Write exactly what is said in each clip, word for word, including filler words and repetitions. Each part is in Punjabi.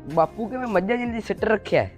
ਬਾਪੂ ਕਿਵੇਂ ਮੱਝਾਂ ਜਿੰਦੀ ਸਿੱਟ ਰੱਖਿਆ?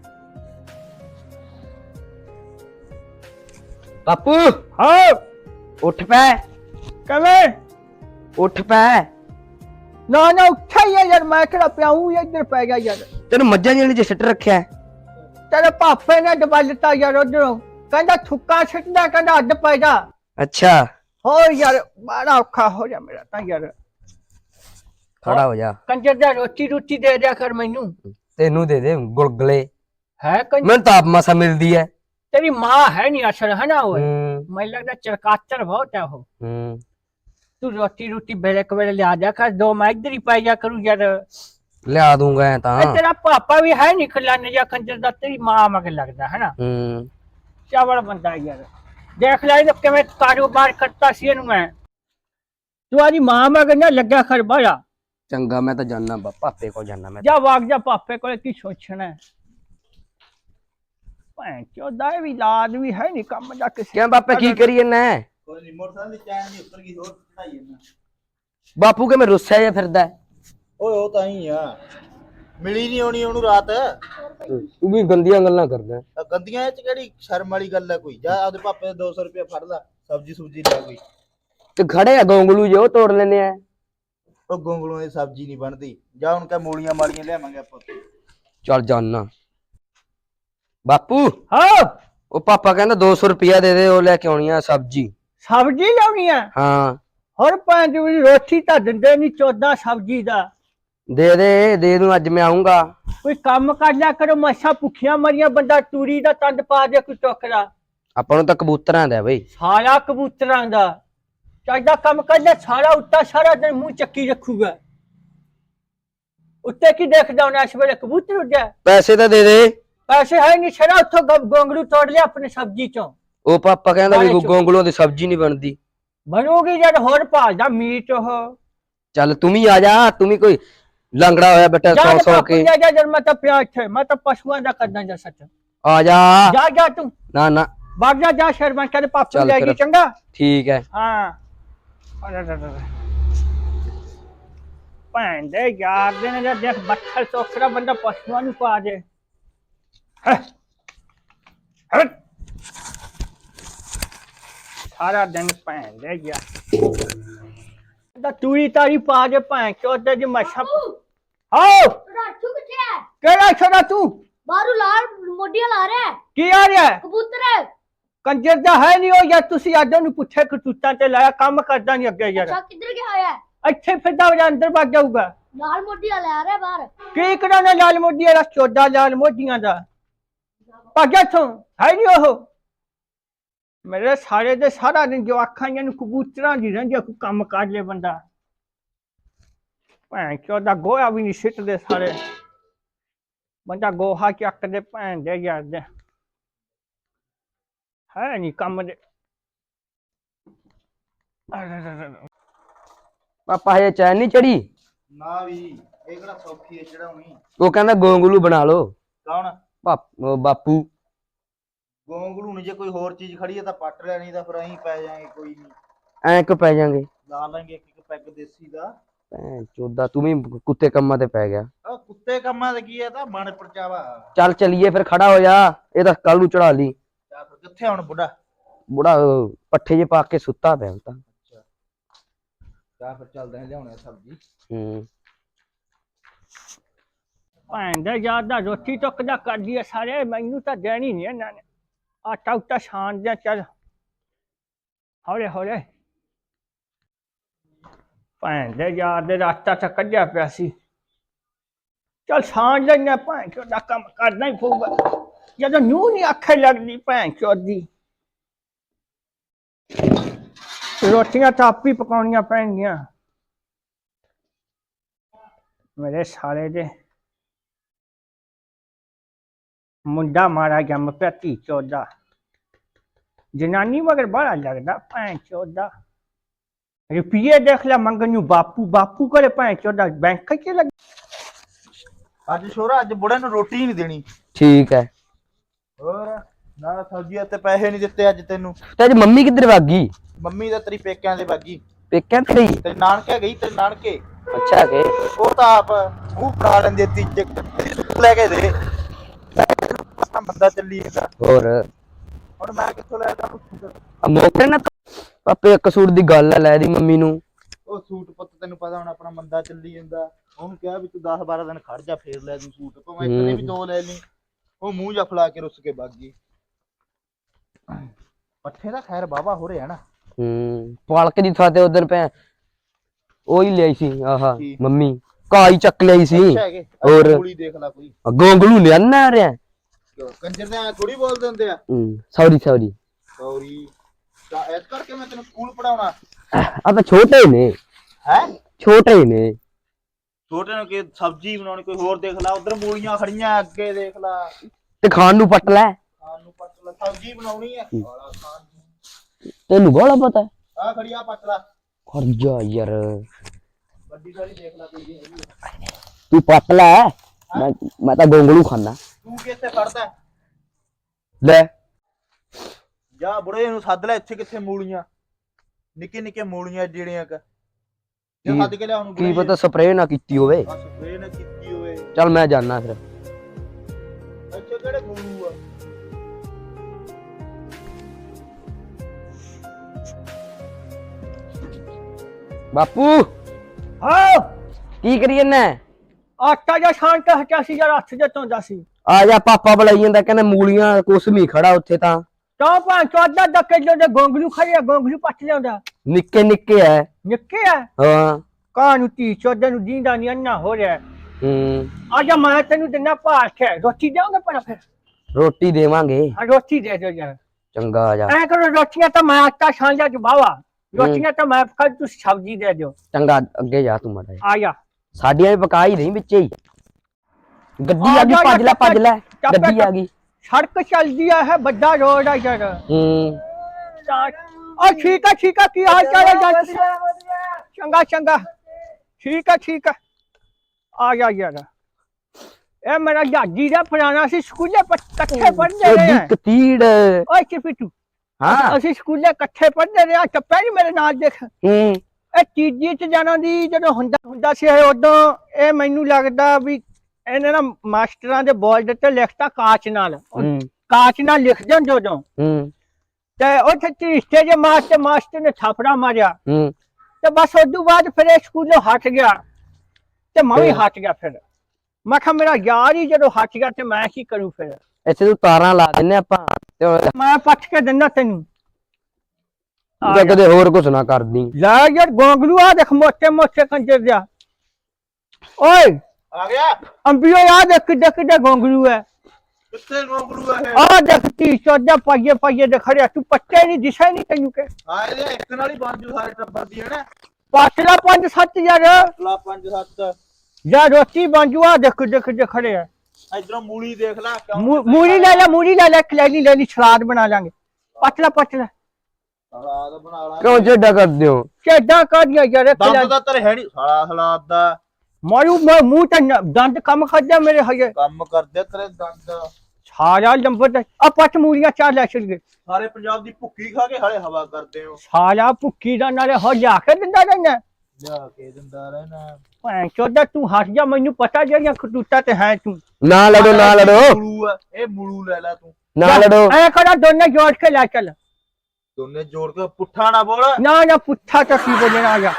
ਬਾਪੂ ਹਾਂ ਉੱਠ ਪੈ, ਕਿਵੇਂ? ਉੱਠ ਪੈ। ਨਾ ਨਾ ਉੱਠਾ ਹੀ ਆ ਯਾਰ, ਮੈਂ ਕਿਹੜਾ ਪਿਆਉਂ ਇੱਧਰ ਪੈ ਗਿਆ ਯਾਰ। ਤੈਨੂੰ ਮੱਝਾਂ ਜਿੰਦੀ ਚ ਸਿੱਟ ਰੱਖਿਆ। ਤੇਰੇ ਪਾਪੇ ਨੇ ਦਬਾ ਦਿੱਤਾ ਯਾਰ ਉਧਰੋਂ, ਕਹਿੰਦਾ ਥੁੱਕਾ ਸਿੱਟਦਾ, ਕਹਿੰਦਾ ਅੱਡ ਪੈ ਜਾ। ਅੱਛਾ ਹੋਰ ਯਾਰ ਬੜਾ ਔਖਾ ਹੋ ਜਾ ਮੇਰਾ ਤਾਂ ਯਾਰ। ਖੜਾ ਹੋ ਜਾ। ਕੰਜਰ ਦਾ ਰੋਟੀ ਰੋਟੀ ਦੇ ਦਿਆ ਕਰ ਮੈਨੂੰ। ਤੈਨੂੰ ਦੇ ਦੇ ਗੁਲਗਲੇ, ਹੈ ਕੰਜਰ ਮੈਨੂੰ ਤਾਂ ਆਪ ਮਸਾ ਮਿਲਦੀ ਹੈ। ਤੇਰੀ ਮਾਂ ਹੈ ਨਹੀਂ ਅਸਲ, ਹੈ ਨਾ? ਉਹ ਹੂੰ ਮੈਨੂੰ ਲੱਗਦਾ ਚਰਕਾਚਰ ਬਹੁਤ ਹੈ ਉਹ। ਹੂੰ ਤੂੰ ਰੋਟੀ ਰੋਟੀ ਵੇਲੇ ਕਵੇਲੇ ਲਿਆ ਦਿਆ ਕਰ, ਦੋ ਮੈਂ ਇੱਧਰ ਹੀ ਪੈ ਜਾ ਕਰੂ ਯਾਰ। ਲਿਆ ਦੂੰਗਾ ਐ ਤਾਂ। ਇਹ ਤੇਰਾ ਪਾਪਾ ਵੀ ਹੈ ਨਹੀਂ ਖਿਲਾਨੇ ਜਾਂ ਕੰਜਰ ਦਾ, ਤੇਰੀ ਮਾਂ ਮਗਰ ਲੱਗਦਾ ਹੈ ਨਾ। ਹੂੰ ਚਾਵਲ ਬੰਦਾ ਯਾਰ, ਦੇਖ ਲੈ ਇਹ ਕਿਵੇਂ ਕਾਰੋਬਾਰ ਕਰਤਾ ਸੀ ਇਹਨੂੰ ਮੈਂ। ਤੂੰ ਆਦੀ ਮਾਂ ਮਗਰ ਨਾ ਲੱਗਿਆ ਖਰ ਬਾਇਆ। ਚੰਗਾ ਮੈਂ ਤਾਂ ਜਾਣਾ, ਪਾਪੇ ਕੋਲ ਜਾਣਾ ਮੈਂ। ਜਾ ਵਾਗ ਜਾ, ਪਾਪੇ ਕੋਲੇ ਕੀ ਸੋਚਣਾ। ਭੈਣ ਚੋਦਾ ਵੀ ਲਾਦ ਵੀ ਹੈ ਨਹੀਂ ਕੰਮ ਦਾ ਕਿਸੇ। ਕਿਉਂ ਬਾਪੇ ਕੀ ਕਰੀਏ ਨਾ? ਕੋਈ ਨਹੀਂ, ਮੋਟਰਸਾਈਕਲ ਦੀ ਚੈਨ ਨਹੀਂ ਉੱਤਰ ਗਈ, ਹੋਰ ਚੜਾਈ ਜਾਂਦਾ। ਬਾਪੂ ਕਿਵੇਂ ਰੁੱਸਿਆ ਜਿਹਾ ਫਿਰਦਾ? ਓਏ ਉਹ ਤਾਂ ਹੀ ਆ, ਮਿਲੀ ਨਹੀਂ ਹੋਣੀ ਉਹਨੂੰ ਰਾਤ। ਤੂੰ ਵੀ ਗੰਦੀਆਂ ਗੱਲਾਂ ਕਰਦਾ। ਤਾਂ ਗੰਦੀਆਂ ਇਹ ਚ ਕਿਹੜੀ ਸ਼ਰਮ ਵਾਲੀ ਗੱਲ ਹੈ ਕੋਈ? ਜਾ ਆਪਦੇ ਪਾਪੇ ਦੇ ਦੋ ਸੌ ਰੁਪਏ ਫੜ ਲੈ, ਸਬਜ਼ੀ ਸੁਬਜੀ ਲੈ ਕੋਈ। ਤੇ ਖੜੇ ਆ ਗੋਂਗਲੂ ਜੋ ਤੋੜ ਲੈਨੇ ਆ। ਉਹ ਗੋਂਗਲੋਂ ਦੀ ਸਬਜ਼ੀ ਨਹੀਂ ਬਣਦੀ, ਜਾ ਹੁਣ ਕਹ ਮੂਲੀਆਂ ਮਾਲੀਆਂ ਲਿਆਵਾਂਗੇ ਆਪਾਂ। ਚੱਲ ਜਾਨਾ। ਬਾਪੂ ਹਾਂ ਉਹ ਪਾਪਾ ਕਹਿੰਦਾ ਦੋ ਸੌ ਰੁਪਇਆ ਦੇ ਦੇ, ਉਹ ਲੈ ਕੇ ਆਉਣੀ ਆ ਸਬਜ਼ੀ। ਸਬਜ਼ੀ ਲਾਉਣੀ ਆ? ਹਾਂ ਹੋਰ ਪੰਜ ਵਜੇ ਰੋਟੀ ਤਾਂ ਦਿੰਦੇ ਨਹੀਂ, ਚੌਦਾਂ ਸਬਜ਼ੀ ਦਾ। ਦੇ ਦੇ ਦੇ ਦੂੰ, ਅੱਜ ਮੈਂ ਆਉਂਗਾ। ਕੋਈ ਕੰਮ ਕਰ ਲਿਆ ਕਰੋ, ਮੱਛਾਂ ਭੁੱਖੀਆਂ ਮਰੀਆਂ, ਬੰਦਾ ਤੂੜੀ ਦਾ ਤੰਦ ਪਾ ਦੇ ਕੋਈ ਟੋਕਰਾ। ਆਪਾਂ ਨੂੰ ਤਾਂ ਕਬੂਤਰਾਂ ਦਾ ਬਈ। ਸਾਰਾ ਕਬੂਤਰਾਂ ਦਾ ਚਾਹੀਦਾ ਕੰਮ ਕਰ ਲਿਆ, ਸਾਰਾ ਉੱਤਾ ਸਾਰਾ ਦਿਨ ਮੂੰਹ ਚੱਕੀ ਰੱਖੂਗਾ। ਉੱਤੇ ਕੀ ਦੇਖਦਾ ਹੁਣ ਇਸ ਵੇਲੇ? ਕਬੂਤਰ ਉੱਡਿਆ। ਪੈਸੇ ਤਾਂ ਦੇ ਦੇ। ਪੈਸੇ ਹੈ ਨਹੀਂ, ਛੜਾ ਉੱਥੋਂ ਗੋਂਗਲੂ ਤੋੜ ਲਿਆ ਆਪਣੇ ਸਬਜ਼ੀ ਚੋਂ। ਉਹ ਪਾਪਾ ਕਹਿੰਦਾ ਵੀ ਬਾਰੇ ਚੋਂ। ਗੋਂਗਲੋਂ ਦੀ ਸਬਜ਼ੀ ਨਹੀਂ ਬਣਦੀ। ਬਣੂਗੀ ਜਦ ਹੋਰ ਭਾਲਦਾ ਮੀਟ ਉਹ। ਚੱਲ ਤੂੰ ਵੀ ਆ ਜਾ, ਤੂੰ ਵੀ ਕੋਈ ਲੰਗੜਾ ਹੋਇਆ ਬੇਟਾ ਜਾ ਸੌ ਸੌ ਕੇ। ਜਾ ਜਾ ਜਦ ਮੈਂ ਤਾਂ ਪਿਆ ਇੱਥੇ, ਮੈਂ ਤਾਂ ਪਸ਼ੂਆਂ ਦਾ ਕਰਦਾ ਜਾ ਸੱਚ। ਆ ਜਾ। ਜਾ ਜਾ ਤੂੰ ਨਾ ਨਾ ਬਾਗ ਜਾ, ਜਾ ਸ਼ਰਮਾ ਕਹਿੰਦੇ ਪਾਪੂ ਚੱਲ ਲੈ ਗਈ। ਫਿਰ। ਚੰਗਾ ਠੀਕ ਹੈ। ਹਾਂ। ਅਰੇ ਅਰੇ ਅਰੇ ਭੈਣ ਦੇ ਯਾਰ ਦੇ ਨੇ ਜਦ ਦੇਖ ਬੱਠਲ ਸੋਖਰਾ ਬੰਦਾ ਪਸ਼ੂਆਂ ਨੂੰ ਪਾ ਦੇ। ਹਟ ਸਾਰਾ ਦਿਨ ਭੈਣ ਦੇ ਯਾਰ ਦਾ ਤੂੜੀ ਤਾਰੀ ਪਾ ਦੇ ਭੈਣ ਚੋਦ ਦੀ ਮੱਛਾ। ਆਓ ਰਾਜੂ ਕਿੱਥੇ ਹੈ? ਕਿਹੜਾ ਛੋੜਾ ਤੂੰ? ਬਾਹਰੋਂ ਲਾਲ ਮੋਢੀਆਂ ਲਾ ਰਿਹਾ ਹੈ। ਕੀ ਆ ਰਿਹਾ? ਕਬੂਤਰ। ਕੰਜਰ ਦਾ ਹੈ ਨਹੀਂ ਉਹ ਯਾਰ, ਤੁਸੀਂ ਅੱਜ ਉਹਨੂੰ ਪੁੱਛੇ ਕਤੂਤਾਂ ਤੇ ਲਾਇਆ, ਕੰਮ ਕਰਦਾ ਨਹੀਂ ਅੱਗੇ ਯਾਰ। ਅੱਛਾ ਕਿੱਧਰ ਗਿਆ ਹੋਇਆ ਹੈ? ਇੱਥੇ ਫਿਰਦਾ ਵਜਾ ਅੰਦਰ ਵਗ ਜਾਊਗਾ। ਲਾਲ ਮੋਢੀਆਂ ਲੈ ਰਿਹਾ ਬਾਹਰ। ਕੀ ਕਰਾਉਣਾ ਲਾਲ ਮੋਢੀਆਂ ਦਾ? ਚੋਦਾ ਲਾਲ ਮੋਢੀਆਂ ਦਾ ਭਾਗਿਆ ਥੋਂ ਹੈ ਨਹੀਂ ਉਹ। ਮੇਰੇ ਸਾਰੇ ਦੇ ਸਾਰਾ ਦਿਨ ਜੋ ਅੱਖਾਂ ਨੂੰ ਕਬੂਤਰਾਂ ਦੀ ਰਹਿੰਦੀਆਂ, ਕੋਈ ਕੰਮ ਕਰ ਲੈ ਬੰਦਾ। ਭੈਣ ਚੋਦਾ ਗੋਹਾ ਵੀ ਨਹੀਂ ਸਿੱਟਦੇ ਸਾਰੇ, ਬੰਦਾ ਗੋਹਾ ਚੱਕਦੇ ਭੈਣ ਦੇ ਯਾਰ ਦੇ। ਹੈ ਨਹੀਂ ਕੰਮ ਦੇ। ਪਾਪਾ ਹਜੇ ਚੈਨ ਨਹੀਂ ਚੜੀ। ਨਾ ਵੀ ਇਹ ਕਿਹੜਾ ਸੌਖੀ ਹੈ ਚੜਾਉਣੀ। ਉਹ ਕਹਿੰਦਾ ਗੋਂਗਲੂ ਬਣਾ ਲਓ। ਕੌਣ? ਪਾਪ- ਬਾਪੂ। ਗੋਂਗਲੂ ਨੂੰ ਜੇ ਕੋਈ ਹੋਰ ਚੀਜ਼ ਖੜੀ ਹੈ ਤਾਂ ਪੱਟ ਲੈਣੀ, ਤਾਂ ਫਿਰ ਅਸੀਂ ਪੈ ਜਾਾਂਗੇ। ਕੋਈ ਨਹੀਂ, ਐਂ ਕਿ ਪੈ ਜਾਾਂਗੇ। ਲਾ ਲਾਂਗੇ ਇੱਕ ਇੱਕ ਪੈਗ ਦੇਸੀ ਦਾ। ਭੈਣ ਚੋਦਾ ਤੂੰ ਵੀ ਕੁੱਤੇ ਕੰਮਾਂ ਤੇ ਪੈ ਗਿਆ। ਆ ਕੁੱਤੇ ਕੰਮਾਂ ਦੇ ਕੀ ਹੈ, ਤਾਂ ਮਨ ਪਰਚਾਵਾ। ਚੱਲ ਚਲੀਏ ਫਿਰ, ਖੜਾ ਹੋ ਜਾ। ਇਹ ਤਾਂ ਕੱਲ ਨੂੰ ਚੜਾ ਲਈ। ਜਾ ਫਿਰ ਕਿੱਥੇ ਹੁਣ ਬੁੱਢਾ? ਬੁੜਾ ਅਹ, ਪੱਠੇ ਜੇ ਪਾ ਕੇ ਸੁੱਤਾ ਪਿਆ ਹੁਣ ਤਾਂ। ਜਾ ਫਿਰ ਚੱਲਦੇ ਹਾਂ, ਲਿਆਉਣੇ ਸਬਜ਼ੀ। ਹੂੰ ਭੈਣ ਦੇ ਯਾਰ ਦਾ ਰੋਟੀ ਟੁੱਕਦਾ ਕਰਦੀ ਹੈ ਸਾਰੇ, ਮੈਨੂੰ ਤਾਂ ਦੇਣੀ ਨਹੀਂ ਇਹਨਾਂ ਨੇ। ਆਟਾ ਉਟਾ ਛਾਣ ਦਿਆ ਚੱਲ ਹੌਲੇ ਹੌਲੇ। ਭੈਣ ਦੇ ਯਾਰ ਦੇ ਆਟਾ ਤਾਂ ਕੱਢਿਆ ਪਿਆ ਸੀ, ਚੱਲ ਛਾਣ ਲੈਣਾ। ਭੈਣ ਚੋਦ ਦਾ ਕੰਮ ਕਰਨਾ ਹੀ ਪਊਗਾ ਜਦੋਂ ਨੂੰ ਨਹੀਂ ਅੱਖੇ ਲੱਗਦੀ ਭੈਣ ਚੋਦ ਦੀ। ਰੋਟੀਆਂ ਤਾਂ ਆਪ ਹੀ ਪਕਾਉਣੀਆਂ ਪੈਣਗੀਆਂ ਮੇਰੇ ਸਾਲੇ ਦੇ। ਮੁੰਡਾ ਮਾਰਾ ਜੰਮ ਪਿਆ ਧੀ ਚੋਦਾ, ਜਨਾਨੀ ਮਗਰ ਬੜਾ ਲੱਗਦਾ ਭੈਣ ਚੋਦਾ। ਰੁਪਈਏ ਦੇਖ ਲੈ ਮੰਗਣ ਨੂੰ ਬਾਪੂ ਬਾਪੂ ਕਰੇ ਭੈਣ ਚੋਦਾ, ਬੈਂਕ ਚ ਲੱਗ। ਅੱਜ ਛੋਰਾ, ਅੱਜ ਬੁੜੇ ਨੂੰ ਰੋਟੀ ਨਹੀਂ ਦੇਣੀ। ਠੀਕ ਹੈ। ਹੋਰ ਨਾ ਸਬਜ਼ੀ ਤੇ ਪੈਸੇ ਨਹੀਂ ਦਿੱਤੇ ਅੱਜ ਤੈਨੂੰ। ਤੇ ਅੱਜ ਮੰਮੀ ਕਿੱਧਰ ਵਗ ਗਈ? ਮੰਮੀ ਤਾਂ ਤੇਰੀ ਪੇਕਿਆਂ ਦੇ ਬਾਗੀ। ਪੇਕਿਆਂ ਤੇ ਗਈ। ਤੇਰੇ ਨਾਨਕੇ ਗਈ, ਤੇਰੇ ਨਾਨਕੇ। ਅੱਛਾ ਕਿ ਉਹ ਤਾਂ ਆਪ ਮੂੰਹ ਫੜਾ ਲੈਂਦੇ ਤੀਜੇ ਸੂਟ ਲੈ ਕੇ ਦੇ ਆਪਣਾ ਬੰਦਾ ਚੱਲੀ ਜਾਂਦਾ ਹੋਰ ਹੁਣ ਮੈਂ ਕਿੱਥੋਂ ਲੈ ਦਾਂ ਆ ਮੋਕੇ ਨਾ ਪਾਪੇ ਇੱਕ ਸੂਟ ਦੀ ਗੱਲ ਆ ਲੈ ਦੀ ਮੰਮੀ ਨੂੰ। ਉਹ ਸੂਟ ਪੁੱਤ ਤੈਨੂੰ ਪਤਾ ਹੁਣ ਆਪਣਾ ਮੰਦਾ ਚੱਲੀ ਜਾਂਦਾ ਉਹਨੂੰ ਕਿਹਾ ਵੀ ਤੂੰ ਦਸ ਬਾਰਾਂ ਦਿਨ ਖੜ ਜਾ ਫੇਰ ਲੈ ਦੂੰ ਸੂਟ ਭਾਵੇਂ ਇੱਕ ਨੇ ਵੀ ਦੋ ਲੈ ਲਈ ਉਹ ਮੂੰਹ ਜਾ ਫਲਾ ਕੇ ਰੁੱਸ ਕੇ ਵਗ ਗਈ। ਪੱਠੇ ਦਾ ਖੈਰ ਬਾਬਾ ਹੋ ਰਿਹਾ ਨਾ ਹੂੰ ਪਾਲਕ ਦੀ ਥਾਂ ਤੇ ਉਧਰ ਪੈ ਉਹ ਹੀ ਲਿਆਈ ਸੀ ਆਹਾ ਕੀ? ਮੰਮੀ ਕਾਈ ਚੱਕ ਲਈ ਸੀ ਅੱਛਾ ਹੈਗੇ ਹੋਰ ਕੁੜੀ ਦੇਖ ਲੈ ਕੋਈ ਗੋਂਗਲੂ ਲਿਆਣਾ ਆ ਰਿਹਾ। ਕਿਉਂ ਕੰਜਰ ਦੇ ਕੁੜੀ ਬੋਲਦੇ ਹੁੰਦੇ ਆ ਹੂੰ ਸੌਰੀ ਸੌਰੀ ਸੌਰੀ ਤਾਂ ਇਸ ਕਰਕੇ ਮੈਂ ਤੈਨੂੰ ਸਕੂਲ ਪੜਾਉਣਾ ਆ ਤਾਂ ਛੋਟੇ ਨੇ ਹੈ ਛੋਟੇ ਨੇ ਛੋਟੇ ਨੂੰ ਕਿ ਸਬਜ਼ੀ ਬਣਾਉਣੀ ਕੋਈ ਹੋਰ ਦੇਖ ਲੈ ਉਧਰ ਮੂਲੀਆਂ ਖੜੀਆਂ ਅੱਗੇ ਦੇਖ ਲੈ ਤੇ ਖਾਣ ਨੂੰ ਪੱਟ ਲੈ ਖਾਣ ਨੂੰ ਪੱਟ ਲੈ ਸਬਜ਼ੀ ਬਣਾਉਣੀ ਹੈ ਵਾਲਾ ਖਾਣ ਨੂੰ ਤੈਨੂੰ ਬੜਾ ਪਤਾ ਆ ਖੜੀ ਆ ਪੱਟ ਲੈ ਖਰਜਾ ਯਾਰ ਵੱਡੀ ਸਾਰੀ ਦੇਖ ਲੈ ਕੋਈ ਹੈਗੀ ਆ। ਤੂੰ ਪੱਟ ਲੈ ਮੈਂ ਮੈਂ ਤਾਂ ਗੋਂਗਲੂ ਖਾਣਾ ਤੂੰ ਕਿੱਥੇ ਫੜਦਾ ਲੈ ਜਾ ਬੁੜੇ ਨੂੰ ਸੱਦ ਲੈ ਇੱਥੇ ਕਿੱਥੇ ਮੂਲੀਆਂ ਨਿੱਕੇ ਨਿੱਕੇ ਮੂਲੀਆਂ ਜਿਹੜੀਆਂ ਕ ਜੇ ਕੀ- ਸੱਦ ਕੇ ਲਿਆ ਉਹਨੂੰ ਕੀ ਪਤਾ ਸਪਰੇਅ ਨਾ ਕੀਤੀ ਹੋਵੇ। ਸਪਰੇਅ ਨਾ ਕੀਤੀ ਹੋਵੇ ਚੱਲ ਮੈਂ ਜਾਣਾ ਫਿਰ ਇੱਥੇ ਕਿਹੜੇ ਗੋਲੂ ਆ ਬਾਪੂ ਹਾਂ ਕੀ ਕਰੀ ਜੰਨਾ ਆਟਾ ਜਾਂ ਛਾਣ ਕੇ ਹਟਿਆ ਸੀ ਯਾਰ ਹੱਥ ਜੇ ਧੋਂਦਾ ਸੀ ਆ ਜਾ ਪਾਪਾ ਬੁਲਾਈ ਜਾਂਦਾ ਕਹਿੰਦਾ ਮੂਲੀਆਂ ਕੁਸਮੀ ਖੜਾ ਉੱਥੇ ਤਾਂ ਤਾਂ ਭਾਂ ਚੌਦਾ ਦਾ ਕਿਲੋ ਦੇ ਗੋਂਗਲੂ ਖੜਿਆ ਗੋਂਗਲੂ ਪੱਟ ਲਿਆਉਂਦਾ ਨਿੱਕੇ ਨਿੱਕੇ ਐ ਨਿੱਕੇ ਆ ਹਾਂ ਕਾਂ ਨੂੰ ਤੀ ਚੌਦੇ ਨੂੰ ਦੀਂਦਾ ਨਹੀਂ ਅੰਨਾ ਹੋ ਰਿਹਾ ਹੂੰ ਆ ਜਾ ਮੈਂ ਤੈਨੂੰ ਦਿਨਾ ਭਾਲ ਕੇ ਰੋਟੀ ਦੇਵਾਂਗੇ ਪਰ ਫਿਰ ਰੋਟੀ ਦੇਵਾਂਗੇ ਆ ਰੋਟੀ ਦੇ ਦਿਓ ਯਾਰ ਚੰਗਾ ਆ ਜਾ ਐ ਕਰੋ ਰੋਟੀਆਂ ਤਾਂ ਮੈਂ ਆਟਾ ਛਾਣ ਜਾ ਜਵਾਵਾ ਰੋਟੀਆਂ ਤਾਂ ਮੈਂ ਕੱਲ ਤੁਸੀਂ ਸਬਜ਼ੀ ਦੇ ਦਿਓ ਚੰਗਾ ਅੱਗੇ ਜਾ ਤੂੰ ਮਾੜਾ ਜਿਹਾ। ਆ ਜਾ ਸਾਡੀਆਂ ਵੀ ਪਕਾ ਹੀ ਨਹੀਂ ਵਿੱਚੇ ਹੀ ਗੱਡੀ ਆ ਆ ਗਈ ਜਾ, ਭੱਜ ਲੈ ਭੱਜ ਲੈ ਚੱਪੇ- ਗੱਡੀ ਆ ਗਈ ਸੜਕ ਚੱਲਦੀ ਆ ਹੈ ਵੱਡਾ ਰੋਡ ਆ ਯਾਰ ਹੂੰ ਆ ਠੀਕ ਆ ਠੀਕ ਆ ਕੀ ਹਾਲ ਚਾਲ ਹੈ ਜੱਟ ਚੰਗਾ ਚੰਗਾ ਠੀਕ ਆ ਠੀਕ ਆ ਆ ਜਾ ਯਾਰ ਇਹ ਮੇਰਾ ਜਾਜੀ ਦਾ ਪੁਰਾਣਾ ਸੀ ਸਕੂਲੇ ਇਕੱਠੇ ਪੜ੍ਹਦੇ ਰਹੇ ਉਹਦੀ ਕਤੀੜ ਓਏ ਚਿਪਟੂ ਹਾਂ ਅਸੀਂ ਸਕੂਲੇ ਇਕੱਠੇ ਪੜ੍ਹਦੇ ਰਹੇ ਚੱਪੇ ਨਹੀਂ ਮੇਰੇ ਨਾਲ ਦੇਖ ਹੂੰ ਇਹ ਤੀਜੀ ਚ ਜਾਣਾ ਦੀ ਜਦੋਂ ਹੁੰਦਾ ਹੁੰਦਾ ਸੀ ਇਹ ਉਦੋਂ ਇਹ ਮੈਨੂੰ ਲੱਗਦਾ ਵੀ ਇਹਨੇ ਨਾ ਮਾਸਟਰਾਂ ਦੇ ਬੋਰਡ ਤੇ ਲਿਖਤਾ ਕਾਚ ਨਾਲ ਹੂੰ ਕਾਚ ਨਾਲ ਲਿਖ ਜਾਂ ਜਦੋਂ ਹੂੰ ਤੇ ਉੱਥੇ ਤੀਸਰੇ ਜੇ ਮਾਸਟਰ ਮਾਸਟਰ ਨੇ ਥਾਪੜਾ ਮਾਰਿਆ ਹੂੰ ਤੇ ਬਸ ਉਦੋਂ ਬਾਅਦ ਫਿਰ ਇਹ ਸਕੂਲੋਂ ਹਟ ਗਿਆ ਤੇ ਮੈਂ ਵੀ ਹਟ ਗਿਆ ਫਿਰ ਮੈਂ ਕਿਹਾ ਮੇਰਾ ਯਾਰ ਹੀ ਜਦੋਂ ਹਟ ਗਿਆ ਤੇ ਮੈਂ ਕੀ ਕਰੂੰ ਫਿਰ ਇੱਥੇ ਤੂੰ ਤਾਰਾਂ ਲਾ ਦਿੰਨੇ ਆਪਾਂ ਤੇ ਉਹ- ਮੈਂ ਪੱਟ ਕੇ ਦਿੰਦਾ ਤੈਨੂੰ ਆ ਜੇ ਜਾ। ਕਦੇ ਹੋਰ ਕੁਛ ਨਾ ਕਰਦੀ ਲੈ ਯਾਰ ਗੋਂਗਲੂ ਆ ਦੇਖ ਮੋਟੇ ਮੋਟੇ ਕੰਜਰ ਦਿਆ ਓਏ ਆ ਗਿਆ ਅੰਬੀਓ ਆ ਦੇਖ ਕਿੱਡੇ ਕਿੱਡੇ ਗੋਂਗਲੂ ਹੈ ਕਿੱਥੇ ਗੋਗਲੂ ਆ ਇਹ ਆ ਦੇਖ ਤੀ ਚੌਦਾ ਪਾਈਏ ਪਾਈਏ ਦੇ ਖੜਿਆ ਤੂੰ ਪੱਟੇ ਨਹੀਂ ਦਿਸ਼ਾ ਨਹੀਂ ਤੈਨੂੰ ਕਿ ਆ ਇਹਦੇ ਇੱਕ ਨਾਲ ਹੀ ਬਣ ਜੂ ਸਾਰੇ ਟੱਬਰ ਦੀ ਹੈ ਨਾ ਪਾਟਲਾ ਪੰਜ ਸੱਤ ਯਾਰ ਲਾ ਪੰਜ ਸੱਤ ਯਾਰ ਰੋਟੀ ਬਾਂਜੂ ਆ ਦੇਖ ਕਿੱਡੇ ਕਿੱਡੇ ਖੜੇ ਆ ਇਧਰੋਂ ਮੂਲੀ ਦੇਖ ਲੈ ਕਿਉਂ ਮੂ- ਮੂਲੀ ਲੈ ਲੈ ਮੂਲੀ ਲੈ ਲੈ ਖਲੈਲੀ ਲੈ ਲਈ ਸਲਾਦ ਬਣਾ ਲਾਂਗੇ ਪਤਲਾ ਪਤਲਾ ਸਲਾਦ ਬਣਾ ਲਾ ਕਿਉਂ ਚੇਡਾ ਕਰਦੇ ਹੋ ਕਿੱਦਾਂ ਕਾਦੀਆਂ ਯਾਰ ਦੰਦ ਦਾ ਤੇਰੇ ਹੈ ਨਹੀਂ ਸਾਲਾ ਸਲਾਦ ਦਾ ਮਾਰੂ ਮੈਂ ਮੂੰਹ ਤੇ ਨ- ਦੰਦ ਕੰਮ ਖਾਦਾ ਮੇਰੇ ਹਜੇ ਕੰਮ ਕਰਦੇ ਤੇਰੇ ਦੰਦ ਸਾਰਾ ਲੰਬਰ ਆ ਪੱਟ ਮੂਲੀਆਂ ਚਾਰ ਲੈ ਚਲ ਗਏ ਸਾਰੇ ਪੰਜਾਬ ਦੀ ਭੁੱਕੀ ਖਾ ਕੇ ਹਲੇ ਹਵਾ ਕਰਦੇ ਹੋ ਸਾਰਾ ਭੁੱਕੀ ਦਾ ਨਾਲੇ ਹੋ ਜਾ ਕੇ ਦਿੰਦਾ ਰਹਿਣਾ ਲਿਆ ਕੇ ਦਿੰਦਾ ਰਹਿਣਾ ਭੈਣ ਚੋਦਾ ਤੂੰ ਹੱਸ ਜਾ ਮੈਨੂੰ ਪਤਾ ਜਿਹੜੀਆਂ ਖਟੂਟਾ ਤੇ ਹੈ ਤੂੰ ਨਾ ਲੜੋ ਨਾ ਲੜੋ ਮੁਲੂ ਆ ਇਹ ਮੁਲੂ ਲੈ ਲੈ ਤੂੰ ਨਾ ਲੜੋ ਐ ਕਰਾ ਦੋਨੇ ਜੋੜ ਕੇ ਲੈ ਚੱਲ ਦੋਨੇ ਜੋੜ ਕੇ ਪੁੱਠਾ ਨਾ ਬੋਲ ਨਾ ਨਾ ਪੁੱਠਾ ਤਾਂ ਕੀ ਬੋਲਣਾ ਆ ਜਾ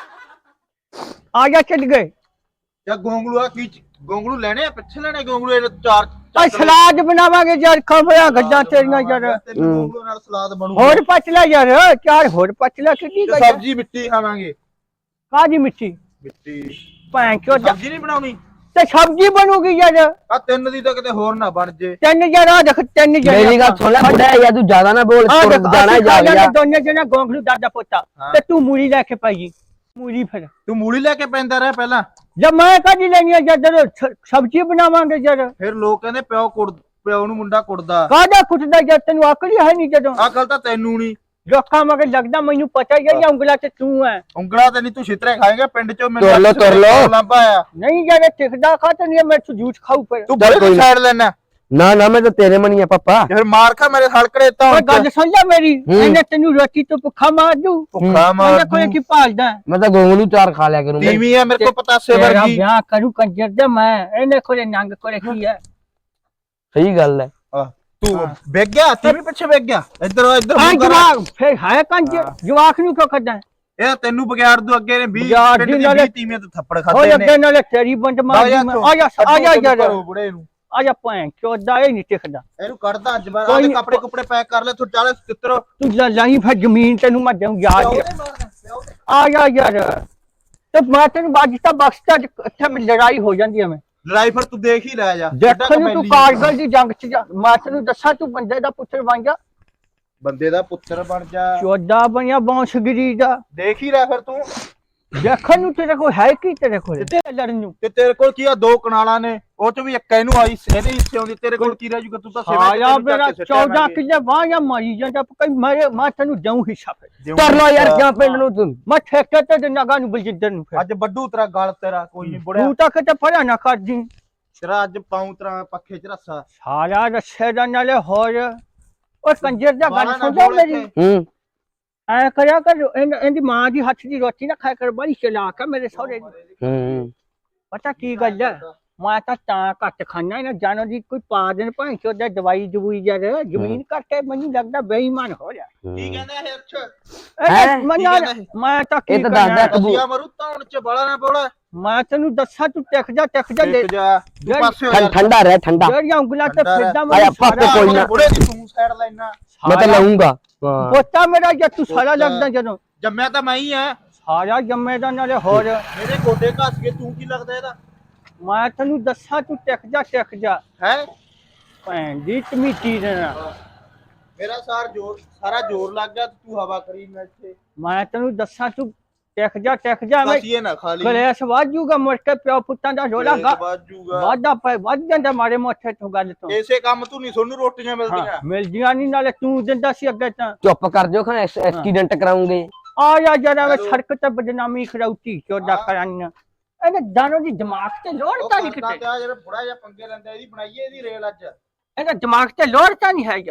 ਆ ਜਾ ਚੱਲ ਗਏ ਜਾਂ ਗੋਂਗਲੂ ਆ ਕੀ ਗੋਂਗਲੂ ਲੈਣੇ ਆ ਪਿੱਛੇ ਲੈਣੇ ਗੋਂਗਲੂ ਇਹ ਚਾਰ ਆ ਸਲਾਦ ਬਣਾਵਾਂਗੇ ਯਾਰ ਖਬਰਾਂ ਗੱਜਾਂ ਤੇਰੀਆਂ ਯਾਰ ਤੈਨੂੰ ਗੋਂਗਲੂ ਨਾਲ ਸਲਾਦ ਬਣੂ ਹੋਰ ਪਚਲਾ ਯਾਰ ਚਾਰ ਹੋਰ ਪਚਲਾ ਕਿੱਡੀ ਤੇ ਗੱਲ ਸਬਜ਼ੀ ਮਿੱਟੀ ਖਾਵਾਂਗੇ ਕਾਦੀ ਮਿੱਟੀ ਮਿੱਟੀ ਭੈਣ ਚੋਦਾ ਸਬਜ਼ੀ ਨਹੀਂ ਬਣਾਉਣੀ ਤੇ ਸਬਜ਼ੀ ਬਣੂਗੀ ਯਾਰ ਆ ਤਿੰਨ ਦੀ ਤਾਂ ਕਿਤੇ ਹੋਰ ਨਾ ਬਣ ਜੇ ਤਿੰਨ ਜਣਾ ਦੇਖ ਤਿੰਨ ਜਣੇ ਮੇਰੀ ਗੱਲ ਸੁਣ ਲੈ ਬੁੜਾ ਯਾਰ ਤੂੰ ਜ਼ਿਆਦਾ ਨਾ ਬੋਲ ਆ ਤੁਰ ਦੇਖ ਜਾਣਾ ਅਸੀਂ ਜਾ ਖਾ ਗਿਆ ਜਾਂਦੇ ਦੋਨੇ ਜਣਾ ਗੋਂਗਲੂ ਦਾਦਾ ਪੋਤਾ ਹਾਂ। ਤੇ ਤੂੰ ਮੂਲੀ ਲੈ ਕੇ ਪਾਈ ਮੂਲੀ ਫਿਰ ਤੂੰ ਮੂਲੀ ਲੈ ਕੇ ਪੈਂਦਾ ਰਹਿ ਪਹਿਲਾਂ ਜਦ ਮੈਂ ਕਾਦੀ ਲੈਣੀ ਆ ਜਦ ਸ- ਸਬਜ਼ੀ ਬਣਾਵਾਂਗੇ ਯਾਰ ਫਿਰ ਲੋਕ ਕਹਿੰਦੇ ਪਿਓ ਕੁੜ ਪਿਓ ਨੂੰ ਮੁੰਡਾ ਕੁੜਦਾ ਕਾਦਾ ਕੁੱਟਦਾ ਯਾਰ ਤੈਨੂੰ ਅਕਲ ਹੀ ਹੈ ਨਹੀਂ ਜਦੋਂ ਅਕਲ ਤਾਂ ਤੈਨੂੰ ਨਹੀਂ ਲੋਕਾਂ ਮਗਰ ਲੱਗਦਾ ਮੈਨੂੰ ਪਤਾ ਹੀ ਹੈ ਜਾਂ ਉਂਗਲਾ ਤੇ ਤੂੰ ਹੈ ਉਂਗਲਾ ਤੇ ਨਹੀਂ ਤੂੰ ਛਿੱਤਰੇ ਖਾਏਗਾ ਪਿੰਡ ਚੋਂ ਤੁਰ ਲਓ, ਤੁਰ ਲਓ। ਲਾਂਭਾ ਆਇਆ ਨਹੀਂ ਯਾਰ ਟਿਕਦਾ ਖਾ ਤੇ ਨਹੀਂ ਮੈਂ ਤੂੰ ਜੂਠ ਖਾਊ ਫਿਰ ਤੂੰ ਚੱਲ ਬੜੇ ਕੋਈ ਨਾ। ਸਾਈਡ ਲੈਣਾ ਨਾ ਨਾ ਮੈਂ ਤਾਂ ਤੇਰੇ ਮਨੀ ਆ ਪਾਪਾ। ਫਿਰ ਮਾਰ ਖਾ ਮੇਰੇ ਹਲਕੜੇ ਤਾਂ ਓਏ ਗੱਲ ਸੁਣ ਲੈ ਮੇਰੀ, ਹੂੰ। ਇਹਨੇ ਤੈਨੂੰ ਰੋਟੀ ਤੋਂ ਭੁੱਖਾ ਮਾਰ ਦੂ। ਭੁੱਖਾ ਮਾਰ ਇਹਨੇ ਕੋਈ ਕੀ ਭਾਲਦਾ? ਮੈਂ ਤਾਂ ਗੋਂਗਲੂ ਚਾਰ ਖਾ ਲਿਆ ਕਰੂੰ। ਟੀਵੀ ਆ ਮੇਰੇ ਕੋ ਪਤਾਸੇ ਤੇਰਾ ਵਰਗੀ। ਵਿਆਹ ਕਰੂ ਕੰਜਰ ਦੇ ਮੈਂ, ਇਹਨੇ ਕੋਲੇ ਨੰਗ ਕੋਲੇ ਕੀ ਹੈ? ਸਹੀ ਗੱਲ ਹੈ। ਆਹ, ਤੂੰ ਵੇਖ ਗਿਆ ਟੀਵੀ ਪਿੱਛੇ ਵੇਖ ਗਿਆ ਇੱਧਰ ਇੱਧਰ ਆ ਮੂੰਹ ਕਰ। ਜਵਾਕ ਫਿਰ ਹੈ ਕੰਜਰ, ਜਵਾਕ ਨੂੰ ਕਿਉਂ ਕੱਢਾਂ? ਇਹ ਤੈਨੂੰ ਬਗਿਆੜ ਦੂ ਅੱਗੇ ਨੇ ਵੀਹ ਬਗਿਆੜ ਪਿੰਡ ਦੀ ਦੀ ਨਾਲੇ- ਵੀਹ ਤੀਵੀਆਂ ਤੇ ਥੱਪੜ ਹੋ ਖਾਦੇ ਨੇ। ਅੱਗੇ ਨਾਲੇ ਤੇਰੀ ਬੰਦ ਮਾਰ ਆ ਜਾ ਦੂੰ ਮੈਂ। ਤੂੰ, ਆ ਜਾ ਆ ਜਾ ਅੱਡੋ ਯਾਰ, ਘਰੋਂ ਬੁੜੇ ਨੂੰ ਆ ਜਾ ਭੈਣ ਚੋਦਾ, ਇਹ ਨਹੀਂ ਟਿਕਦਾ। ਇਹਨੂੰ ਕੱਢਦਾ ਅੱਜ ਬਾਰ ਕੋਈ ਆਦੇ ਨੀ। ਕੱਪੜੇ ਕੁਪੜੇ ਪੈਕ ਕਰ ਲੈ ਤੂੰ ਚੱਲ ਤਿੱਤਰ। ਤੂੰ ਲੈ ਲਾਈ ਫਿਰ ਜ਼ਮੀਨ ਤੈਨੂੰ ਮੈਂ ਦਊਂ ਯਾਦ। ਆ ਜਾ ਯਾਰ, ਤੇ ਮੈਂ ਤੈਨੂੰ ਬਾਜਤਾ ਬਖਸ਼ਤਾ, ਇੱਥੇ ਮੇਰੀ ਲੜਾਈ ਹੋ ਜਾਂਦੀ ਹੈ। ਮੈਂ ਲੜਾਈ ਫਿਰ ਤੂੰ ਦੇਖ ਹੀ ਲੈ ਜਾ। ਦੇਖਣ ਨੂੰ ਤੂੰ ਕਾਰਗਲ ਦੀ ਜੰਗ ਚ ਜਾ, ਮੈਂ ਤੈਨੂੰ ਦੱਸਾਂ ਤੂੰ ਬੰਦੇ ਦਾ ਪੁੱਤਰ ਬਣ ਜਾ, ਬੰਦੇ ਦਾ ਪੁੱਤਰ ਬਣ ਜਾ। ਚੋਦਾ ਬਣਿਆ ਬੌਂਸਗਿਰੀ ਦਾ। ਦੇਖ ਹੀ ਲੈ ਫਿਰ ਤੂੰ। ਦੇਖਣ ਨੂੰ ਤੇਰੇ ਕੋਲ ਹੈ ਕੀ? ਤੇਰੇ ਕੋਲ ਤੇ ਲੜਨ ਨੂੰ ਤੇ ਤੇਰੇ ਕੋਲ ਕੀ ਆ, ਦੋ ਕਨਾਲਾਂ ਨੇ, ਉਹ ਚ ਵੀ ਇੱਕ ਇਹਨੂੰ ਆਈ, ਇਹਦੇ ਹਿੱਸੇ ਆਉਂਦੀ। ਤੇਰੇ ਕੋਲ ਕੀ ਰਹਿ ਜੂਗਾ? ਤੂੰ ਤਾਂ ਸਿਵਾ ਆਇਆ ਮੇਰਾ ਚੌਦਾਂ ਕਿੱਲੇ ਵਾਹ ਮਾਰੀ ਜਾਂਦਾ, ਕਈ ਮਾਰੇ ਮੈਂ ਤੈਨੂੰ ਦਊਂ ਹਿੱਸਾ। ਫਿਰ ਕਰ ਲੋ ਯਾਰ ਕਿਆ ਪਿੰਡ ਨੂੰ ਤੂੰ। ਮੈਂ ਠੇਕੇ ਤੇ ਦਿਨਾ ਗਾ ਨੂੰ ਬਲਜਿੰਦਰ ਨੂੰ। ਫਿਰ ਅੱਜ ਵੱਡੂ ਤੇਰਾ ਗਲ ਤੇਰਾ ਕੋਈ ਨਹੀਂ ਬੁੜਿਆ ਤੂੰ ਤਾਂ ਕਿਤੇ ਫੜਿਆ ਨਾ ਕਰਦੀ। ਤੇਰਾ ਅੱਜ ਪਾਉਂ ਤੇਰਾ ਪੱਖੇ ਚ ਰੱਸਾ। ਸਾਰਾ ਰੱਸੇ ਦਾ ਨਾਲੇ ਹੋਰ ਉਹ ਕੰਜਰ ਦਾ ਬਾਹਰ ਗੱਲ ਨਾ ਸੁਣਦਾ ਬੋਲ ਮੇਰੀ। ਇੱਥੇ। ਹੂੰ ਐ ਕਰਿਆ ਕਰ, ਇਹਨ- ਇਹਦੀ ਮਾਂ ਦੀ ਹੱਥ ਦੀ ਰੋਟੀ ਨਾ ਖਾਇਆ ਕਰ, ਬੜੀ ਚਲਾਕ ਆ ਮੇਰੇ ਸਹੁਰੇ ਦੀ। ਹੂੰ ਪਤਾ ਕੀ ਗੱਲ ਹੈ, ਮੈਂ ਤਾਂ ਤਾਂ ਘੱਟ ਖਾਣਾ ਇਹਨਾਂ ਜਾਨੋ ਦੀ ਕੋਈ ਪਾ ਦੇਣ ਭਾਂ ਚੋਦਾ ਦਵਾਈ ਦਵੂਈ ਜਰ ਜ਼ਮੀਨ ਕਰਕੇ ਮੈਨੂੰ ਲੱਗਦਾ ਬੇਈਮਾਨ ਹੋ ਰਿਹਾ। ਕੀ ਕਹਿੰਦਾ ਇਹ ਅੱਛਾ? ਇਹ ਹੈਂ? ਮੈਂ ਕੀ ਨਾਲ- ਕਹਿੰਦਾ ਇਹ? ਮੈਂ ਤਾਂ ਕੀ ਇਹ ਤਾਂ ਕਰਨਾ? ਦੱਸਦਾ ਕਬੂ- ਕਬੂਆ ਮਰੂ ਤਾਂ ਚ ਬਾਲਾ ਨਾ ਬੋਲਾ। ਮੈਂ ਤੈਨੂੰ ਦੱਸਾਂ ਤੂੰ ਟਿਕ ਜਾ ਟਿਕ ਜਾ ਦੇਖ ਜਾ ਤੂੰ ਜਿਹੜੀ- ਪਾਸੇ ਹੋ ਠੰ- ਜਾ। ਠੰਡਾ ਰਹਿ ਠੰਡਾ। ਜਿਹੜੀਆਂ ਉਂਗਲਾਂ ਤੇ ਠੰਡਾ ਫਿਰਦਾ ਆਇਆ ਪਾਪੇ ਸਾਰਾ- ਕੋਈ ਨਾ। ਬੁੜੇ ਦੀ ਤੂੰ ਸਾਈਡ ਲੈਣਾ। ਮੈਂ ਤਾਂ ਲਾਉਂਗਾ। ਹਾਂ ਪੋਤਾ ਮੇਰਾ ਜੇ ਤੂੰ ਸਾਰਾ ਪੋਤਾ। ਲੱਗਦਾ ਜਦੋਂ ਜੰਮਿਆ ਤਾਂ ਮੈਂ ਹੀ ਆ। ਸਾਰਾ ਜੰਮੇ ਦਾ ਨਾਲੇ ਹੋਰ। ਮੇਰੇ ਗੋਡੇ ਘਸ ਕੇ ਤੂੰ ਕੀ ਲੱਗਦਾ ਇਹਦਾ? ਮੈਂ ਤੈਨੂੰ ਦੱਸਾਂ ਤੂੰ ਟਿਕ ਜਾ ਟਿਕ ਜਾ ਹੈ ਭੈਣ ਦੀ ਤਮੀਤੀ ਦੇ ਨਾਲ। ਮੇਰਾ ਸਾਰ ਜੋਰ ਸਾਰਾ ਜੋਰ ਲੱਗ ਗਿਆ ਤੂੰ ਹਵਾ ਕਰੀ ਮੈਂ ਇੱਥੇ। ਮੈਂ ਤੈਨੂੰ ਦੱਸਾਂ ਤੂੰ ਟਿਕ ਜਾ ਟਿਕ ਜਾ। ਮੈਂ ਕਸੀਏ ਨਾ ਖਾਲੀ ਕਲੇਸ਼ ਵਾਜੂਗਾ ਮੁੜ ਕੇ ਪਿਓ ਪੁੱਤਾਂ ਦਾ ਰੋਲਾ ਗਾ ਬਾਜੂਗਾ। ਵਾਦਾ ਪੈ ਵੱਧ ਜਾਂਦਾ ਮਾਰੇ ਮੋਠੇ ਤੋਂ ਗੱਲ ਤੋਂ। ਇਸੇ ਕੰਮ ਤੂੰ ਨਹੀਂ ਸੋਨੂੰ ਰੋਟੀਆਂ ਹਾਂ ਮਿਲਦੀਆਂ। ਮਿਲਦੀਆਂ ਨਹੀਂ, ਨਾਲੇ ਤੂੰ ਦਿੰਦਾ ਸੀ ਅੱਗੇ ਤਾਂ। ਚੁੱਪ ਕਰ ਜਾਓ ਖਾਂ ਐਕਸੀਡੈਂਟ ਕਰਾਉਂਗੇ। ਆ ਜਾ ਜਰਾ ਮੈਂ ਹੈਲੋ। ਸੜਕ ਤੇ ਬਦਨਾਮੀ ਖੜਾਉਤੀ ਚੋਦਾ ਹਾਂ। ਕਰਾਂਗਾ। ਇਹਨੇ ਦਾਨੋ ਦੀ ਦਿਮਾਗ ਤੇ ਲੋੜ ਉਹ ਤਾਂ ਨਹੀਂ ਕਰਦਾ ਕਿਤੇ। ਤੇ ਆ ਜਿਹੜਾ ਬੁੜਾ ਜਿਹਾ ਪੰਗੇ ਲੈਂਦਾ ਇਹਦੀ ਬਣਾਈਏ ਇਹਦੀ ਰੇਲ ਅੱਜ। ਇਹਦਾ ਦਿਮਾਗ ਤੇ ਲੋੜ ਤਾਂ ਨਹੀਂ ਹੈ ਯਾਰ।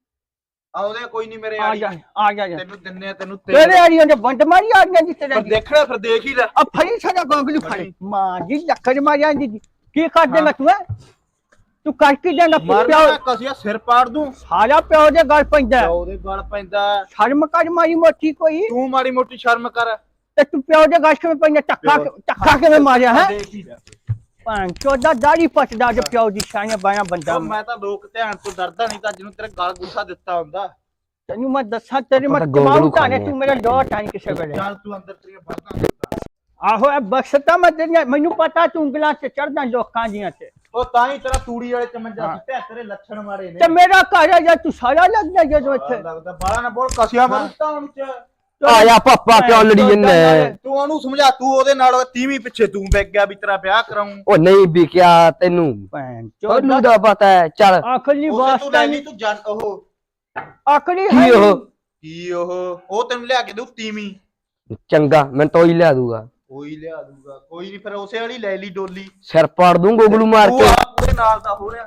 ਆ ਉਹਦੇ ਕੋਈ ਨਹੀਂ ਮੇਰੇ ਆ ਆੜੀ। ਜਾ ਆ ਜਾ ਜਾ। ਤੈਨੂੰ ਦਿੰਨੇ ਆ ਤੈਨੂੰ ਤੇਰੇ ਆੜੀਆਂ ਦੇ ਬੰਦ ਮਾਰੀ ਆੜੀਆਂ ਦੀ ਤੇਰੇ ਪਰ ਦੇਖਣਾ ਫਿਰ ਦੇਖ ਹੀ ਲੈ। ਆ ਫੜੀ ਸਾਡਾ ਗੋਗਲੂ ਫੜੀ ਮਾਂ ਜੀ ਲੱਕੜ ਮਾਰਿਆ ਦੀ ਕੀ ਕਰ ਦੇਣਾ ਤੂੰ? ਹੈਂ? ਤੂੰ ਕਰ ਕੀ ਦੇਣਾ? ਮਰਨਾ ਪਿਓ ਕਸੀਆ ਸਿਰ ਪਾੜ ਦੂੰ। ਸਾਰਾ ਪਿਓ ਦੇ ਗੱਲ ਪੈਂਦਾ। ਉਹਦੇ ਗਲ ਪੈਂਦਾ। ਸ਼ਰਮ ਕਰ ਮਾਰੀ ਮੋਟੀ ਕੋਈ। ਤੂੰ ਮਾੜੀ ਮੋਟੀ ਸ਼ਰਮ ਕਰ। ਤੇ ਤੂੰ ਪਿਓ ਦੇ ਗੱਲ ਕਿਵੇਂ ਪੈਂਦਾ? ਟੱਕਾ ਟੱਕਾ ਕਿਵੇਂ ਮਾਰਿਆ ਹੈ? ਦੇਖ ਹੀ ਲੈ। ਭਾਂ ਚੋਦਾ ਦਾੜੀ ਪਟਦਾ ਜੋ ਪਿਓ ਦੀ ਸ਼ਾਨ ਬਾਇਆ ਬੰਦਾ। ਉਹ ਮੈਂ ਤਾਂ ਲੋਕ ਧਿਆਨ ਤੋਂ ਡਰਦਾ ਨਹੀਂ ਤਾਂ ਜਿਹਨੂੰ ਤੇਰੇ ਗਲ ਗੁੱਸਾ ਦਿੱਤਾ ਹੁੰਦਾ। ਤੈਨੂੰ ਮੈਂ ਦੱਸਾਂ ਤੇਰੇ ਮੈਂ ਆਪਾਂ ਤਾਂ ਗੋਗਲੂ ਕਮਾਉਂ ਤਾਂ ਨੇ ਖਾਂਦੇ ਤੂੰ ਮੇਰਾ ਲੋਟ ਆਈ ਕਿਸੇ ਵੇਲੇ। ਚੱਲ ਤੂੰ ਅੰਦਰ ਤੇਰੀਆਂ ਬਾਤਾਂ। ਆਹੋ ਇਹ ਬਖਸ਼ਤਾ ਮੈਂ ਤੇਰੀਆਂ, ਮੈਨੂੰ ਪਤਾ ਤੂੰ ਉਂਗਲਾਂ ਤੇ ਚੜਦਾ ਲੋਕਾਂ ਦੀਆਂ ਤੇ। ਉਹ ਤਾਂ ਹੀ ਤੇਰਾ ਤੂੜੀ ਵਾਲੇ ਚਮੰਜਾ ਸੀ ਤੇ ਤੇਰੇ ਲੱਛਣ ਮਾਰੇ ਨੇ। ਤੇ ਮੇਰਾ ਘਰ ਹੈ ਜਾਂ ਤੂੰ ਸਾਰਾ ਲੱਗਦਾ ਜਦੋਂ ਇੱਥੇ। ਲੱਗਦਾ ਬਾਲਾ ਨਾ ਬੋਲ ਕਸਿਆ ਮਰੂ ਤਾਂ ਹੁਣ ਚ। ਆ ਜਾ ਪਾਪਾ ਕਿਉਂ ਲੜੀ ਜੰਨੇ? ਤੂੰ ਉਹਨੂੰ ਸਮਝਾ ਤੂੰ ਉਹਦੇ ਨਾਲ ਤੀਵੀਂ ਪਿੱਛੇ ਤੂੰ ਵੇਖ ਗਿਆ ਵੀ ਤੇਰਾ ਵਿਆਹ ਕਰਾਉਂ। ਉਹ ਨਹੀਂ ਵਿਕਿਆ ਤੈਨੂੰ। ਭੈਣ ਉਹਨੂੰ ਚੋਦਾ ਦਾ ਪਤਾ ਹੈ। ਚੱਲ ਆਖਰੀ ਉਹ ਤੂੰ ਵਾਸਤਾ ਲੈ ਲਈ ਨਹੀਂ ਤੂੰ ਜਨ ਉਹ ਆਖਰੀ ਕੀ ਹੈ ਉਹ ਕੀ ਉਹ ਉਹ ਤੈਨੂੰ ਲਿਆ ਕੇ ਦਊ ਤੀਵੀਂ। ਚੰਗਾ ਮੈਂ ਤੋਂ ਹੀ ਲਿਆ ਦੂਗਾ। ਕੋਈ ਲਿਆ ਦੂਗਾ ਕੋਈ ਨਹੀਂ ਫਿਰ ਉਸੇ ਵਾਲੀ ਲੈ ਲਈ ਡੋਲੀ। ਸਿਰ ਪਾੜ ਦੂੰ ਗੋਗਲੂ ਮਾਰ ਤੂੰ ਕੇ। ਆ ਪੂਰੇ ਨਾਲ ਦਾ ਹੋ ਰਿਹਾ।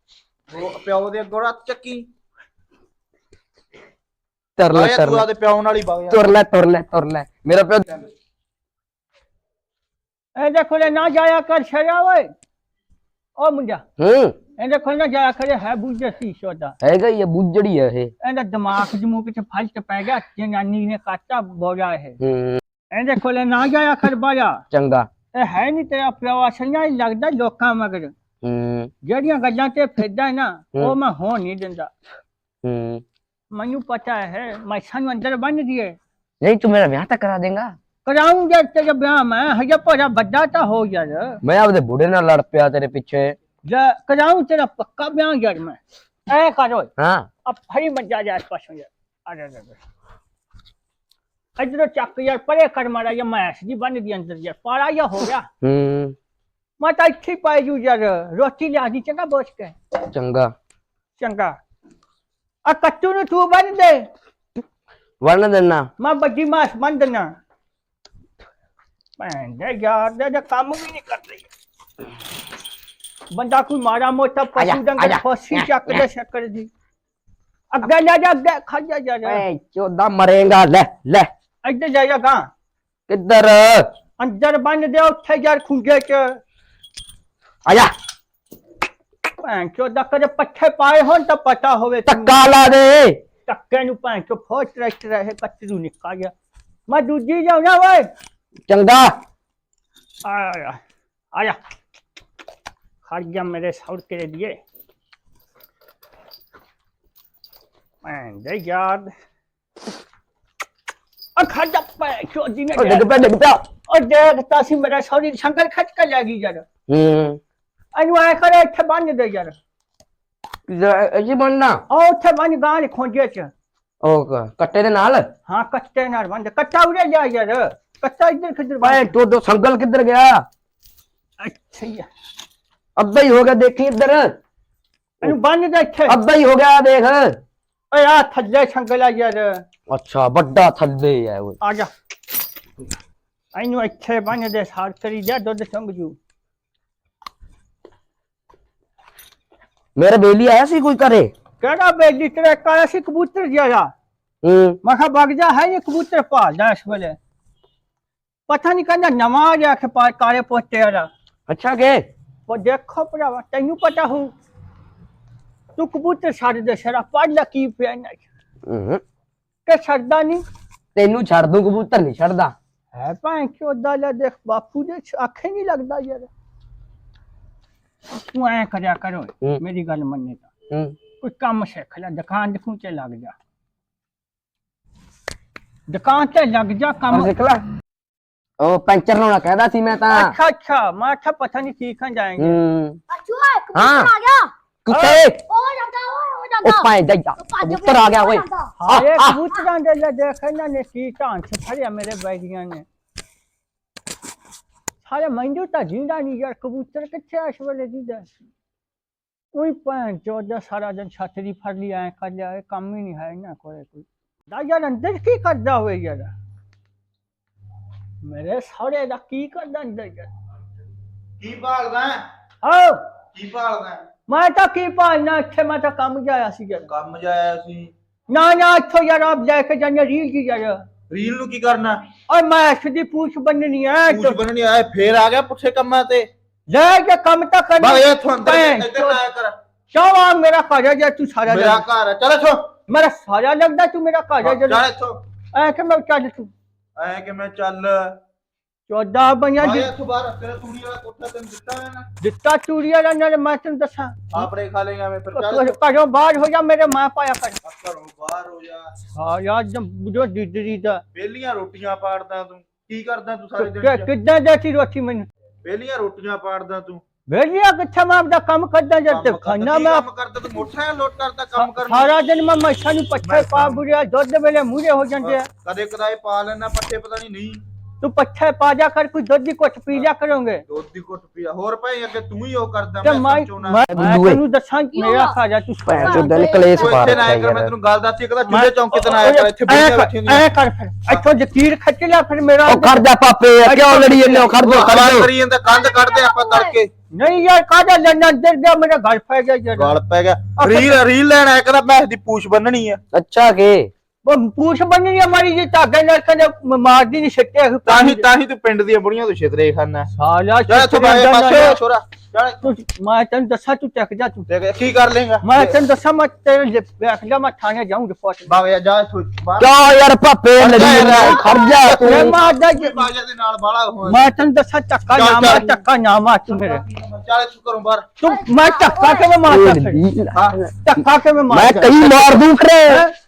ਉਹ ਪਿਓ ਦੇ ਅੱਗੋਂ ਰੱਤ ਚੱਕੀ। ਤੁਰ ਲੈ ਆਇਆ ਤੁਰ ਤੂੰ ਲੈ ਆਦੇ ਪਿਓ ਨਾਲ ਹੀ ਵਗ ਜਾ। ਤੁਰ ਲੈ ਤੁਰ ਲੈ ਤੁਰ ਲੈ ਮੇਰਾ ਪਿਓ। ਇਹ ਦੇਖੋ ਲੈ ਨਾ ਜਾਇਆ ਕਰ ਛੜਿਆ ਓਏ ਓ ਮੁੰਡਾ। ਹੂੰ ਇਹ ਦੇਖੋ ਨਾ ਜਾਇਆ ਕਰੇ ਹੈ ਬੁੱਝੇ ਸੀ ਸੋਦਾ। ਹੈਗਾ ਹੀ ਆ ਬੁੱਜੜੀ ਹੈ ਇਹ। ਇਹਦਾ ਦਿਮਾਗ ਜਮੂ ਕਿਤੇ ਫਲਟ ਪੈ ਗਿਆ ਜਨਾਨੀ ਨੇ ਕਾਟਾ ਬੋਲਿਆ ਹੈ। ਹੂੰ ਇਹ ਦੇਖੋ ਲੈ ਨਾ ਜਾਇਆ ਕਰ ਬਾਇਆ। ਚੰਗਾ। ਇਹ ਹੈ ਨਹੀਂ ਤੇਰਾ ਪਿਓ ਅਸਲੀਆਂ ਹੀ ਲੱਗਦਾ ਲੋਕਾਂ ਮਗਰ। ਹੂੰ ਜਿਹੜੀਆਂ ਗੱਲਾਂ ਤੇ ਫਿਰਦਾ ਨਾ ਉਹ ਹੂੰ। ਮੈਂ ਹੋਣ ਨਹੀਂ ਦਿੰਦਾ। ਹੂੰ ਮੈਨੂੰ ਪਤਾ ਹੈ ਮੈਂ ਸਾਨੂੰ ਅੰਦਰ ਬੰਨ ਦਿਏ। ਨਹੀਂ ਤੂੰ ਮੇਰਾ ਵਿਆਹ ਤਾਂ ਕਰਾ ਦੇਗਾ। ਕਰਾਉਂਗਾ ਤੇਰੇ ਵਿਆਹ ਮੈਂ ਹਜੇ ਪੋਰਾ ਵੱਡਾ ਤਾਂ ਹੋ ਯਾਰ। ਮੈਂ ਆਪਦੇ ਬੁੜੇ ਨਾਲ ਲੜ ਪਿਆ ਤੇਰੇ ਪਿੱਛੇ। ਜਾ ਕਰਾਉਂ ਤੇਰਾ ਪੱਕਾ ਵਿਆਹ ਯਾਰ ਮੈਂ। ਐ ਕਰੋ ਹਾਂ अब फरी मत जा जा आसपास हो यार। अरे अरे इधर चक यार परे कर मारा या मैस जी बन दी अंदर यार पारा या हो गया। हम्म मैं तो अच्छी पाई जू यार रोटी लिया दी चंगा बोझ के। चंगा चंगा आ कट्टू नु तू बन दे वरना देना मैं बड्डी मास बन देना। भैन दे यार दे काम भी नहीं कर रही। ਬੰਦਾ ਕੋਈ ਮਾੜਾ ਮੋਟਾ ਆਜਾ, ਪਸ਼ੂ ਡੰਗਰ ਆਜਾ। ਫੋਸੀ ਚੱਕਦਾ ਸ਼ੱਕਰ ਦੀ ਅੱਗੇ ਜਾ ਜਾ ਅੱਗੇ ਖਾ ਜਾ ਜਾ ਜਾ ਭੈਣ ਚੋਦਾ ਮਰੇਗਾ ਲੈ ਲੈ ਇੱਧਰ ਜਾ ਜਾ ਗਾਂ ਕਿੱਧਰ ਅੰਦਰ ਬੰਨ ਦੇ ਉੱਥੇ ਯਾਰ ਖੁੰਗੇ ਚ ਆ ਜਾ ਭੈਣ ਚੋਦਾ ਕਦੇ ਪੱਠੇ ਪਾਏ ਹੋਣ ਤਾਂ ਪਤਾ ਹੋਵੇ ਤੈਨੂੰ। ਟੱਕਾ ਲਾ ਦੇ ਟੱਕੇ ਨੂੰ ਭੈਣ ਚੋ ਫੋਟ ਰੈਸਟ ਰਹੇ ਕਚਰੂ ਨਿਕਲ ਗਿਆ ਮੈਂ ਦੂਜੀ ਜਾਉਣਾ ਓਏ ਚੰਗਾ ਆਇਆ ਆਇਆ ਖੜ ਜਾ ਮੇਰੇ ਸੌੜ ਕੇ लिए ਭੈਣ ਦੇ ਯਾਰ ਆ ਖੜ ਜਾ ਭੈਣ ਚੋਦੀ ਨੇ ਉਹ ਡਿੱਗ ਪਿਆ ਡਿੱਗ ਪਿਆ ਉਹ ਦੇਖਤਾ ਸੀ ਮੇਰਾ ਸੌੜੀ ਸੰਗਲ ਖੱਚ ਕੇ ਲੈ ਗਈ ਯਾਰ ਹੂੰ ਇਹਨੂੰ ਐ ਕਰੇ ਇੱਥੇ ਬੰਨ ਦੇ ਯਾਰ ਅਜੀ ਬਣਨਾ ਆ ਉੱਥੇ ਬੰਨ ਗਾਂ ਦੇ ਖੋਂਜੇ ਚ ਉਹ ਕ- ਕੱਟੇ ਦੇ ਨਾਲ ਹਾਂ ਕੱਟੇ ਨਾਲ ਬੰਨ ਕੱਟਾ ਉਰੇ ਜਾ ਯਾਰ ਕੱਟਾ ਇੱਧਰ ਕਿੱਧਰ ਭੈਣ ਚੋਦੋ ਸੰਗਲ ਕਿੱਧਰ ਗਿਆ ਅੱਛਾ ਹੀ ਆ। ਅੱਧਾ ਹੀ ਹੋ ਗਿਆ ਦੇਖੀ ਇੱਧਰ ਇਹਨੂੰ ਬੰਨ ਦੇ ਇੱਥੇ ਅੱਧਾ ਹੀ ਹੋ ਗਿਆ ਦੇਖ ਓਏ ਆ ਥੱਲੇ ਸੰਗਲ ਆ ਯਾਰ ਅੱਛਾ ਵੱਡਾ ਥੱਲੇ ਹੈ ਉਹ ਆ ਜਾ ਇਹਨੂੰ ਇੱਥੇ ਬੰਨ ਦੇ ਸਾਰ ਕਰੀ ਜਾ ਦੁੱਧ ਚੰਗ ਜੂ ਮੇਰੇ ਬੇਲੀ ਆਇਆ ਸੀ ਕੋਈ ਘਰੇ ਕਿਹੜਾ ਬੇਲੀ ਤੇਰੇ ਕਾਲਾ ਸੀ ਕਬੂਤਰ ਜਿਹਾ ਹੂੰ ਮੈਂ ਕਿਹਾ ਵਗ ਜਾ ਹੈ ਇਹ ਕਬੂਤਰ ਭਾਲਦਾ ਇਸ ਵੇਲੇ ਪਤਾ ਨਹੀਂ ਕਹਿੰਦਾ ਨਵਾਂ ਆ ਗਿਆ ਖਪਾ ਕਾਲੇ ਪੋਤੇ ਵਾਲਾ ਅੱਛਾ ਕੇ ਉਹ ਦੇਖੋ ਭਰਾਵਾ ਤੈਨੂੰ ਪਤਾ ਹੋ ਤੂੰ ਕਬੂਤਰ ਛੱਡ ਦੇ ਸ਼ਰਾ ਪੜ ਲੈ ਕੀ ਪਿਆ ਨਾ ਹੂੰ ਕਿ ਛੱਡਦਾ ਨਹੀਂ ਤੈਨੂੰ ਛੱਡ ਦੂੰ ਕਬੂਤਰ ਨਹੀਂ ਛੱਡਦਾ ਹੈ ਭਾਂ ਚੋਦਾ ਲੈ ਦੇਖ ਬਾਪੂ ਦੇ ਆਖੇ ਨਹੀਂ ਲੱਗਦਾ ਯਾਰ ਤੂੰ ਐ ਕਰਿਆ ਕਰੋ ਹੂੰ। ਮੇਰੀ ਗੱਲ ਮੰਨੇ ਤਾਂ ਹੂੰ ਕੋਈ ਕੰਮ ਸਿੱਖ ਲੈ ਦੁਕਾਨ ਦੇਖੂ ਤੇ ਲੱਗ ਜਾ ਦੁਕਾਨ ਤੇ ਲੱਗ ਜਾ ਪਰ ਕੰਮ ਸਿੱਖ ਲੈ ਉਹ ਪੈਂਚਰ ਲਾਉਣਾ ਕਹਿੰਦਾ ਸੀ ਮੈਂ ਤਾਂ अच्छा अच्छा मैं अच्छा पता नहीं सीखने जाएंगे ਹੂੰ ਅੱਛੂ ਹੈ हाँ। ਕਬੂਤਰ ਆ ਗਿਆ ਕੁੱਤੇ ਉਹ ਜਾਂਦਾ ਓਏ ਉਹ ਜਾਂਦਾ ਉਹ ਪਾਏ ਦਾ ਕਬੂਤਰ ਆ ਗਿਆ ਓਏ हाँ ये कबूतरां दे ले देख ना ने की ढांच से फड़िया मेरे बैगियां ने सारे मंजू ता जिंदा नहीं यार कबूतर किथे इस वेले जिंदा ओए भैन चोदा सारा दिन छतरी फड़ लिया है कर लिया काम ही नहीं है ना कोई कोई दा यार अंदर की करदा होए यार मेरे सारे दा की करदा अंदर यार ਕੀ ਭਾਲਦਾ ਹੈ? आओ ਕੀ ਭਾਲਦਾ ਹੈ? मैं तो की पालना इत्थे मैं तो काम जाया सी यार ਕੰਮ ਜਾਇਆ ਸੀ ना ना इत्थों यार आप लेके जाने रील की यार ਰੀਲ ਨੂੰ ਕੀ ਕਰਨਾ और मैं ऐसी पूछ बननी है ਪੂਛ तो ਬੰਨਣੀ ਆਏ ਫੇਰ ਆ ਗਿਆ ਪੁੱਠੇ ਕੰਮਾਂ ਤੇ ले के काम तो करना ਬਾਈ ਇੱਥੋਂ ਅੰਦਰ ਭੈਣ ਇੱਧਰ ਨਾ ਆਇਆ ਕਰ क्यों आ मेरा घर है तू सारा ਮੇਰਾ लगदा- ਘਰ ਹੈ ਚੱਲ ਇੱਥੋਂ मेरा सारा लगता तू मेरा घर है ਚੱਲ जरा ਇੱਥੋਂ ऐ के मैं चल तू ਐ कि मैं ਚੱਲ चौदह बनिया ਆਇਆ ਇੱਥੋਂ ਬਾਹਰ ਤੇਰਾ ਤੂੜੀ ਵਾਲਾ ਕੋਠਾ ਤੈਨੂੰ ਦਿੱਤਾ ਹੈ ਨਾ दिता चूड़ी वाला ना मैं तेन दसा ਆਪਰੇ खा लेगा मैं फिर ਚੱਲ घरों बाहर हो जा मेरे मां पाया कर ਘਰੋਂ ਬਾਹਰ ਹੋ ਜਾ हाँ यार जब जो डिडरी दा ਵੇਲੀਆਂ ਰੋਟੀਆਂ ਪਾੜਦਾ ਤੂੰ ਕੀ ਕਰਦਾ ਤੂੰ ਸਾਰੇ ਦਿਨ ਚ कितना देती रोटी मैंने ਵੇਲੀਆਂ ਰੋਟੀਆਂ ਪਾੜਦਾ ਤੂੰ भेजिया कितना मैं अपना काम करदा जब ਕੰਮ खाना ਕਰਦਾ, मैं ਕੀ ਕੰਮ ਕਰਦਾ ਤੂੰ ਮੋਟਰਸਾਈਕਲ ਲੋਡ ਕਰਦਾ ਕੰਮ ਕਰਨ सारा दिन मैं मच्छा नु पत्थर पा बुढ़िया दुध वेले मूरे हो जाते ਕਦੇ ਕਦਾਏ ਪਾ ਲੈਣਾ ਪੱਠੇ ਪਤਾ ਨਹੀਂ ਨਹੀਂ तू पत्थर पा जा कर कोई दुध की कुछ पी लिया करोगे ਦੁੱਧ ਦੀ ਘੁੱਟ ਪੀਆ ਹੋਰ ਭਾਈ ਅੱਗੇ ਤੂੰ ਹੀ ਉਹ ਕਰਦਾ ते ਮੈਂ मैं ਸਮਝਾਉਣਾ मैं बुद्धू है। तेनू दसा मेरा खा जा तू ਭੈਣ ਚੋਦ ਨੇ ਕਲੇਸ਼ ਤੂੰ ਪਾ ਇੱਥੇ ਨਾ ਰੱਖਿਆ ਆਇਆ ਕਰ ਮੈਂ ਯਾਰ ਤੈਨੂੰ ਗੱਲ ਦੱਸੀ ਕਦਾ ਚੁੱਲੇ ਚੌਂਕੇ ਤੇ ਨਾ ਆਇਆ ਕਰ ਇੱਥੇ ਬੁੜੀਆਂ ਬੈਠੀਆਂ ਨੇ ऐ कर फिर इथों जकीर खच लिया फिर मेरा ਉਹ ਖੜ ਜਾ ਪਾਪੇ ਕਿਉਂ ਲੜੀ ਜੰਨੇ ਖੜ ਜਾ ਖੜ ਖੜਾ ਜਾ ਕਰੀ ਜਾਂਦਾ ਕੰਧ ਕੱਢਦੇ ਆਪਾਂ ਤੜਕੇ नहीं यार काजा लड़ना अंदर गया मेरा घर फै गया यार ਗਲ ਪੈ ਗਿਆ ਰੀਲ ਰੀਲ ਲੈਣ ਆਇਆ ਕਹਿੰਦਾ ਮੈਂ ਦੀ ਪੂਛ ਬੰਨਣੀ ਆ ਅੱਛਾ ਕੇ वो पूछ बननी हमारी ये धागे लड़ के मार दी नहीं सकते ਤਾਂ ਹੀ ਤਾਂ ਹੀ ਤੂੰ ਪਿੰਡ ਦੀਆਂ ਬੁੜੀਆਂ ਤੋਂ ਛਿਤਰੇ ਖਾਨਾ साला ਜਾ ਇੱਥੋਂ ਬਾਹਰ ਪਾਸੇ ਹੋ ਛੋਰਾ ਚੱਲ तू मैं तेन दसा तू टक जा तू ਦੇਖ ਕੀ ਕਰ ਲੇਗਾ मैं तेन दसा मैं तेरे बैठ जा मैं थाने जाऊं रिपोर्ट ਬਾਗ ਜਾ ਇੱਥੋਂ ਬਾਹਰ ਕਿਉਂ ਯਾਰ ਪਾਪੇ ਲੜੀ ਜੰਨੇ ਖੜ ਜਾ ਤੂੰ मैं मार दा जी- ਬਾਜਾ ਦੇ ਨਾਲ ਬਾਲਾ ਹੋਇਆ मैं तेन दसा टक्का चल, ना मार चल। टक्का ना मार तू मेरे ਚੱਲ ਇੱਥੋਂ ਘਰੋਂ ਬਾਹਰ तू मैं टक्का के मैं मार ਹਾਂ टक्का के मैं ਮੈਂ मार ਕਈ ਮਾਰ ਦੂੰ ਖਰੇ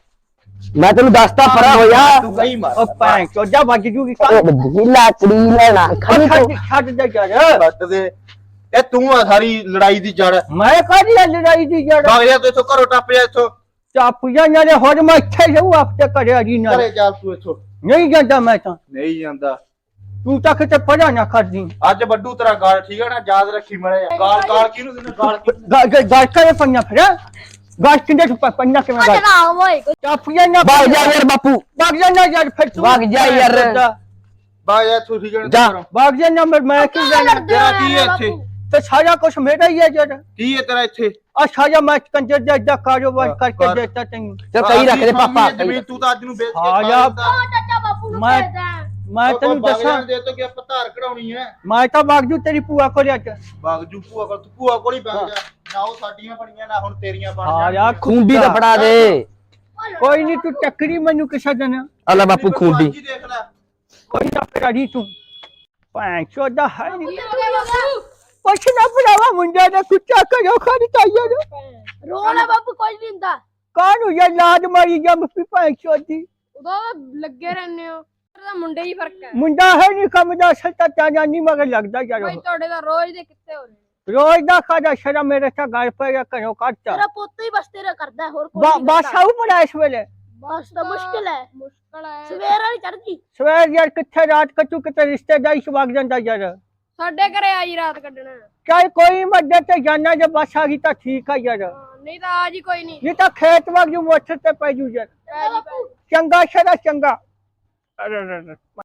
ਮੈਂ ਤੈਨੂੰ ਦੱਸਦਾ ਪਰਾ ਹੋਇਆ ਤੂੰ ਗਈ ਮਾਰ ओ पैं चोजा बज जूगी ਉਹ ਬੱਦੀ ਲਾਕੜੀ ਲੈਣਾ ਖੜੀ ਤੂੰ छड़ छड़ दे यार ਬੱਟ ਦੇ ਇਹ ਤੂੰ ਆ ਸਾਰੀ ਲੜਾਈ ਦੀ ਜੜ मैं कादी लड़ाई दी जड़ ਬਾਗ ਜਾ ਤੂੰ ਇੱਥੋਂ ਘਰੋਂ ਟੱਪ ਜਾ ਇੱਥੋਂ चापुया नाले होर मैं इत्थे जाऊं आपते करे अजी ना ਘਰੇ ਚੱਲ ਤੂੰ ਇੱਥੋਂ नहीं जाता मैं तो ਨਹੀਂ ਜਾਂਦਾ तू तक ते पढ़ा ना कर दी ਅੱਜ ਵੱਡੂ ਤੇਰਾ ਗਾਲ ਠੀਕ ਹੈ ਨਾ ਯਾਦ ਰੱਖੀ ਮੜੇ ਗਾਲ ਗਾਲ ਕਿਹਨੂੰ ਦਿੰਦਾ ਗਾਲ ਕਿਹਨੂੰ गाल करे पन्ना फिर गाल किंदे छुपा पन्ना के मैं गाल ਚਲਾ ਓਏ चापुया ना ਭਾਗ ਜਾ ਯਾਰ ਬਾਪੂ भाग जाना यार फिर तू भाग जा यार। ਬਾਗ ਜਾ ਤੂੰ ਠੀਕ ਹੈ ਜਾ। ਘਰੋਂ भाग जाना मैं मैं क्यों जाना ਤੇਰਾ ਕੀ ਹੈ ਇੱਥੇ ਤੇ ਸਾਰਾ ਕੁਛ ਮੇਰਾ ਹੀ ਹੈ ਜਦ ਕੀ ਹੈ ਤੇਰਾ ਇੱਥੇ ਆ ਸਾਰਾ ਮੈਂ ਕੰਜਰ ਦਾ ਏਦਾਂ ਕਾਰੋਬਾਰ ਹਾਂ, ਕਰਕੇ ਕਰ। ਦੇਤਾ ਤੈਨੂੰ ਚੱਲ ਕਈ ਰੱਖ ਦੇ ਪਾਪਾ ਕਈ ਜ਼ਮੀਨ ਰੱਖ। ਤੂੰ ਤਾਂ ਅੱਜ ਨੂੰ ਵੇਚ ਕੇ ਹਾਂ ਖਾ ਯਾਰ। ਲੈਂਦਾ। ਉਹ ਚਾਚਾ ਬਾਪੂ ਨੂੰ ਮੈਂ- ਭੇਜਦਾ ਹੈ। ਮੈਂ ਉਹ ਤੈਨੂੰ ਬਾਗ ਦੱਸਾਂ ਜਾਣ ਦੇ ਤੋਂ ਕਿ ਆਪਾਂ ਧਾਰ ਕਢਾਉਣੀ ਹੈ ਮੈਂ ਤਾਂ ਬਾਗਜੂ ਤੇਰੀ ਭੂਆ ਕੋਲ ਅੱਜ ਬਾਗਜੂ ਭੂਆ ਕੋਲ ਤੂੰ ਭੂਆ ਕੋਲ ਹੀ ਬੈਠ ਜਾ ਨਾ ਉਹ ਸਾਡੀਆਂ ਬਣੀਆਂ ਨਾ ਹੁਣ ਤੇਰੀਆਂ ਬਣ ਹਾਂ ਜਾਣਗੀਆਂ। ਯਾਰ ਖੁੰਡੀ ਤਾਂ ਫੜਾ ਦੇ। ਕੋਈ ਨਹੀਂ ਤੂੰ ਟੱਕਰੀ ਮੈਨੂੰ ਕਿਸੇ ਦਿਨ ਅੱਲਾ ਬਾਪੂ ਤੂੰ ਖੁੰਡੀ ਅੱਜ ਹੀ ਦੇਖ ਲੈ ਕੋਈ ਨਾ ਕਰੀ ਤੂੰ ਭੈਣ ਚੋਦਾ ਹੈ ਨਹੀਂ ਕੀ ਹੋ ਗਿਆ ਬਾਪੂ ਕੁਛ ਨਾ ਬਣਾਵਾ ਮੁੰਡਾ ਦਾ ਕੁੱਤਾ ਕਰੋ ਖੜੀ ਤਾਇਆ ਨੂੰ ਰੋਣਾ ਬਾਪੂ ਕੋਈ ਨਹੀਂ ਹੁੰਦਾ ਕਾਹਨੂੰ ਇਹ ਲਾਦ ਮਾਰੀ ਜੰਮ ਪੀ ਭੈਣ ਚੋਦੀ ਉਹਦਾ ਲੱਗੇ ਰਹਿੰਦੇ ਹੋ ਉਹਦਾ ਮੁੰਡੇ ਹੀ ਫਰਕ ਹੈ ਮੁੰਡਾ ਹੈ ਨਹੀਂ ਕੰਮ ਦਾ ਅਸਲ ਤਾਂ ਤਾਂ ਜਾਨੀ ਮਗਰ ਲੱਗਦਾ ਯਾਰ ਭਾਈ ਤੁਹਾਡੇ ਦਾ ਰੋਜ਼ ਦੇ ਕਿੱਥੇ ਹੋ ਰਹੇ ਨੇ ਰੋਜ਼ ਦਾ ਖਾਦਾ ਸ਼ਰਾ ਮੇਰੇ ਤਾਂ ਘਰ ਪੈ ਗਿਆ ਘਰੋਂ ਕੱਟਤਾ ਤੇਰਾ ਪੁੱਤ ਹੀ ਬਸ ਤੇਰਾ ਕਰਦਾ ਹੈ, ਹੋਰ ਕੋਈ ਨਹੀਂ ਬਸ ਕਰਦਾ। ਆਉ ਪੜਾ ਇਸ ਵੇਲੇ ਬਸ ਤਾਂ ਮੁਸ਼ਕਿਲ ਹੈ ਮੁਸ਼ਕਲ ਹੈ ਸਵੇਰ ਵਾਲੀ ਚੜਦੀ ਸਵੇਰ ਯਾਰ ਕਿੱਥੇ ਰਾਤ ਕੱਟੂ ਕਿਤੇ ਰਿਸ਼ਤੇਦਾਰੀ ਚ ਵਗ ਜਾਂਦਾ ਯਾਰ ਸਾਡੇ ਘਰੇ ਆਜੀ ਰਾਤ ਕੱਢਣਾ ਚਾਹੇ ਕੋਈ ਮੱਦੇ ਤੇ ਜਾਣਾ ਜੇ ਬਸ ਆ ਗਈ ਤਾਂ ਠੀਕ ਆ ਯਾਰ ਹਾਂ, ਨਹੀਂ ਤਾਂ ਆਜ ਹੀ ਕੋਈ ਨਹੀਂ ਇਹ ਤਾਂ ਖੇਤ ਵਗ ਜੂ ਮੋਟਰ ਤੇ ਪੈ ਜੂ ਯਾਰ ਪੈ ਜੀ ਪੈ ਜੀ। ਚੰਗਾ ਸ਼ਰਾ ਚੰਗਾ ਅਰੇ ਅਰੇ ਅਰੇ